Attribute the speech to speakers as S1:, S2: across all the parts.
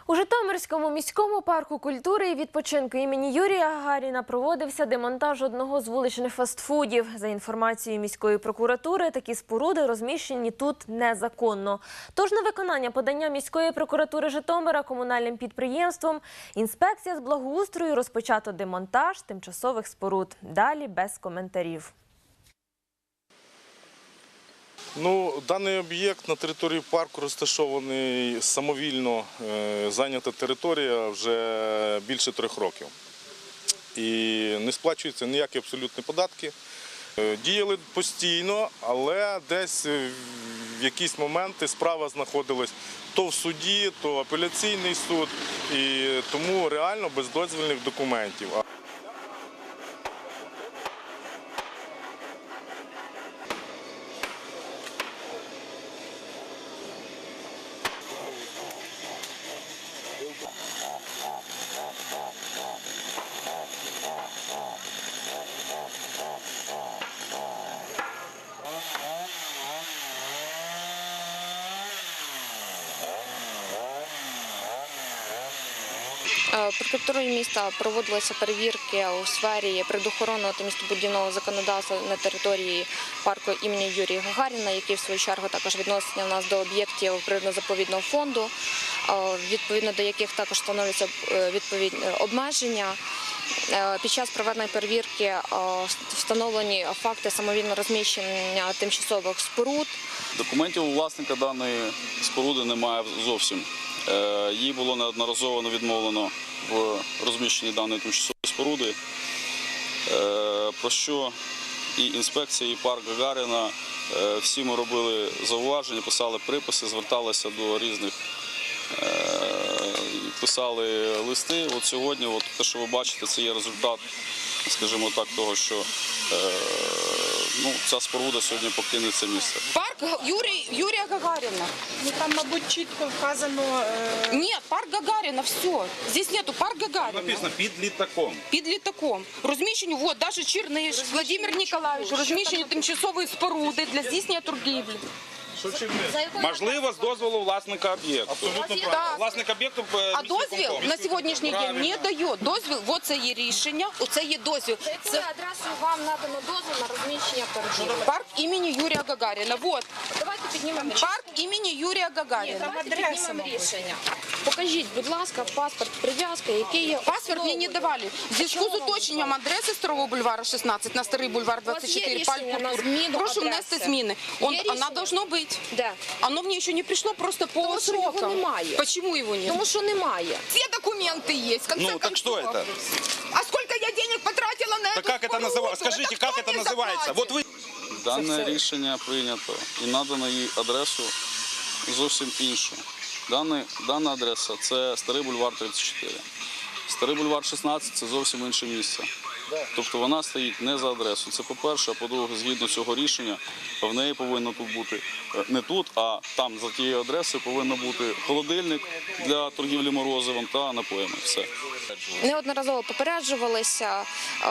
S1: У Житомирському міському парку культури і відпочинку імені Юрія Гагаріна проводився демонтаж одного з вуличних фастфудів. За інформацією міської прокуратури, такі споруди розміщені тут незаконно. Тож на виконання подання міської прокуратури Житомира комунальним підприємством інспекція з благоустрою розпочато демонтаж тимчасових споруд. Далі без коментарів.
S2: Даний об'єкт на території парку розташований самовільно, зайнята територія вже більше 3 років. І не сплачуються ніякі абсолютні податки. Діяли постійно, але десь в якісь моменти справа знаходилась то в суді, то апеляційний суд, і тому реально без дозвільних документів.
S3: Прокуратурою міста проводилися перевірки у сфері природоохоронного та містобудівного законодавства на території парку імені Юрія Гагаріна, який в свою чергу також відноситься у нас до об'єктів природно-заповідного фонду, відповідно до яких також встановлюються відповідні обмеження. Під час проведеної перевірки встановлені факти самовільного розміщення тимчасових споруд.
S4: Документів у власника даної споруди немає зовсім. Їй було неодноразово відмовлено в розміщенні даної тимчасової споруди, про що і інспекція, і парк Гагаріна, всі ми робили зауваження, писали приписи, зверталися до різних, писали листи. От сьогодні, те, що ви бачите, це є результат, скажімо так, того, що ця споруда сьогодні покине це місце.
S5: Парк Юрія Гагаріна.
S6: Там, мабуть, чітко вказано...
S5: Нет, парк Гагаріна, все. Здесь нету парк Гагаріна.
S7: Написано під літаком.
S5: Під літаком. Розміщені, вот, даже Черниш, Владимир Ніколаєвич, розміщені тимчасової споруди для здійснення торгівлі.
S7: Можливо, з дозволу власника об'єкту.
S5: Абсолютно правильно.
S7: Власник об'єкту...
S5: А дозвіл на сьогоднішній день не дає. Дозвіл, от це є рішення, оце є дозвіл.
S3: За якою адресою вам надано дозвіл на розміщення торгівлі?
S5: Парк імені Юрія Гагаріна. Вот.
S3: Давайте піднімемо рішення.
S5: Парк імені Юрія Гагаріна.
S3: Давайте піднімемо рішення. Покажіть, будь ласка, паспорт, прив'язка, який є...
S5: Паспорт мені не давали. В зв'язку з уточненням адреси Старого бульвара 16 на Старий бульвар 24 Парк Культури. Прошу внести зміни. Вона должно бути.
S3: Де?
S5: Оно мне еще не пришло просто по
S3: Тому що його
S5: срокам.
S3: немає.
S5: Почему его нет?
S3: Тому що немає.
S5: Все документы есть. В конце
S7: Ну, так что
S5: концов.
S7: это?
S5: А сколько я денег потратила на
S7: Так
S5: эту
S7: как это
S5: споруду?
S7: называется? Скажите, как
S5: кто
S7: это
S5: мне
S7: называется?
S5: заплатит?
S7: Вот вы...
S4: Дане рішення прийнято і надано їй адресу зовсім іншу. Дана адреса – це Старий бульвар 34. Старий бульвар 16 – це зовсім інше місце. Тобто вона стоїть не за адресою. Це по-перше, а по-друге, згідно цього рішення, в неї повинно тут бути, не тут, а там за тією адресою повинен бути холодильник для торгівлі морозивом та напоями. Все.
S3: Неодноразово попереджувалися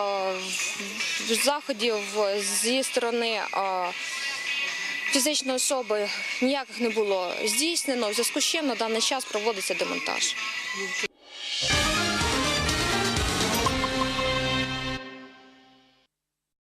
S3: заходів зі сторони фізичної особи ніяких не було здійснено, в зв'язку з чим на даний час проводиться демонтаж.